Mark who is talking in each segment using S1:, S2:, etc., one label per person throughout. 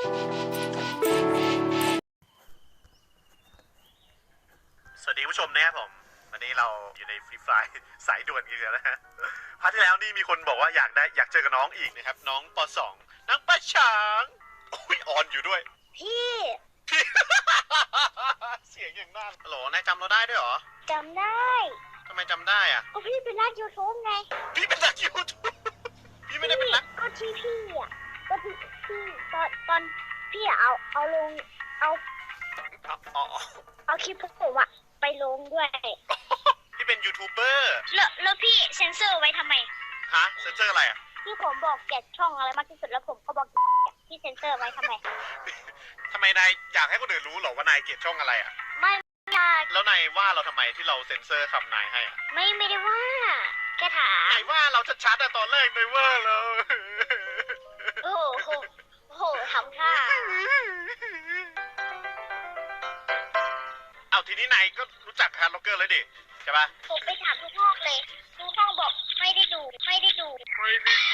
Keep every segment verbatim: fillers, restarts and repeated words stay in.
S1: สวัสดีผู้ชมนะครับผมวันนี้เราอยู่ในฟรีไฟล์สายด่วนกันแล้วนะฮะพาร์ทที่แล้วนี่มีคนบอกว่าอยากได้อยากเจอกับน้องอีกนะครับน้องป สอง น้องปะฉางอุ้ยออนอยู่ด้วย
S2: พี่
S1: พี่ เสียงอย่างนั้นฮัลโหลนายจำเราได้ด้วยเหรอ
S2: จำได้
S1: ทำไมจำได้อ่ะ
S2: ก็พี่เป็นนักยูทูบไง
S1: พี่เป็นนักยูทูบพี่ไม่ได้เป็นนัก
S2: ก็ที่พี่อ่ะก็ที่พี่ตอนตอนพี่อะเอาเอาลงเอา
S1: อ๋ออ๋อ
S2: เอาคลิปพวกผมอะไปลงด้วย
S1: พี่เป็นยูทูบเบอร์
S2: แล้วแล้วพี่เซ็นเซอร์ไว้ทำไม
S1: ฮะเซนเซอร์อะไรอ่ะ
S2: ที่ผมบอกแกะช่องอะไรมากที่สุดแล้วผมก็บอกที่เซ็นเซอร์ไว้ทำไม
S1: ทำไมนายอยากให้คนอื่นรู้เหรอว่านายเกลียดช่องอะไรอ่ะ
S2: ไม่อยาก
S1: แล้วนายว่าเราทำไมที่เราเซ็นเซอร์คำนายให้อ่ะ
S2: ไม่ไม่ได้ว่าแค่ถาม
S1: นายว่าเราชัดๆอะตอนแรกนายว่าเรา
S2: โอ้โหโอ้โหทำท่า
S1: เอาทีนี้นายก็รู้จักฮาร์ดล็อกเกอร์เลยดิใช่ปะ
S2: ผมไปถามทุกห้องเลยทุกห้องบอกไม่ได้ดูไม่ได้ดู
S1: ไม่ได้ดู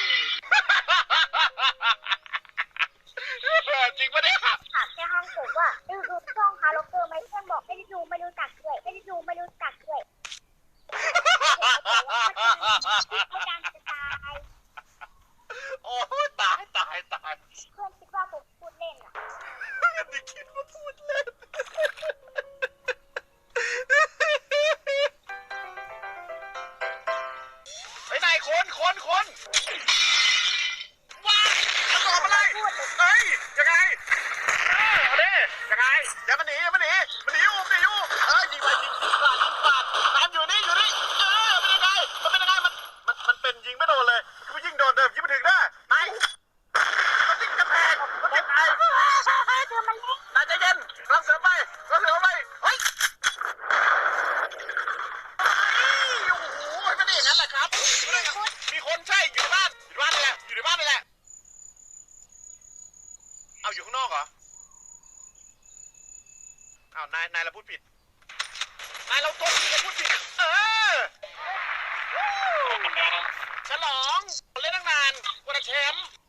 S1: จริงปะเนี่ย
S2: ถามแค่ห้องผมว่าดูดูช่องฮาร์ล็อกเกอร์ไหมเพื่อนบอกไม่ได้ดูไม่รู้จักด้วยไม่ได้ดูไม่รู้จักด้วยเขาดังจะตาย
S1: โอ้ยตายตายตาย
S2: เพื่อนคิดว่าผมพูดเล่นอ่ะ
S1: นี่คิดว่าพูดเล่นไอ้นายคนคนคนว้ามันตอบอะไรเฮ้ยยังไงเออเอาดิยังไงอย่ามาหนีอย่ามาหนีมาหนีอยู่มาหนีอยู่เอ้ยยิงไปยิงยิงกราดยิงกราดตามอยู่นี่อยู่นี่เออเป็นยังไงมันเป็นยังไงมันมันมันเป็นยิงไม่โดนเลยคือยิงโดนเดิมยิงไม่ถึงได้ตายมันยิงกระแพงมันยิงตาย
S2: เธอมันเล่น
S1: นายใจเย็นกำลังเสริมไปกำลังเสริมไปเฮ้ยโอ้โหไม่ได้อย่างนั้นแหละครับมีคนใช่อยู่ในบ้านอยู่ในบ้านนี่แหละอยู่ในบ้านนี่แหละเอาอยู่ข้างนอกเหรออ้าวนายนายเราพูดผิดนายเราตัวจริงเราพูดผิดเออฉลองเล่นตั้งนานกว่าจะแชมป์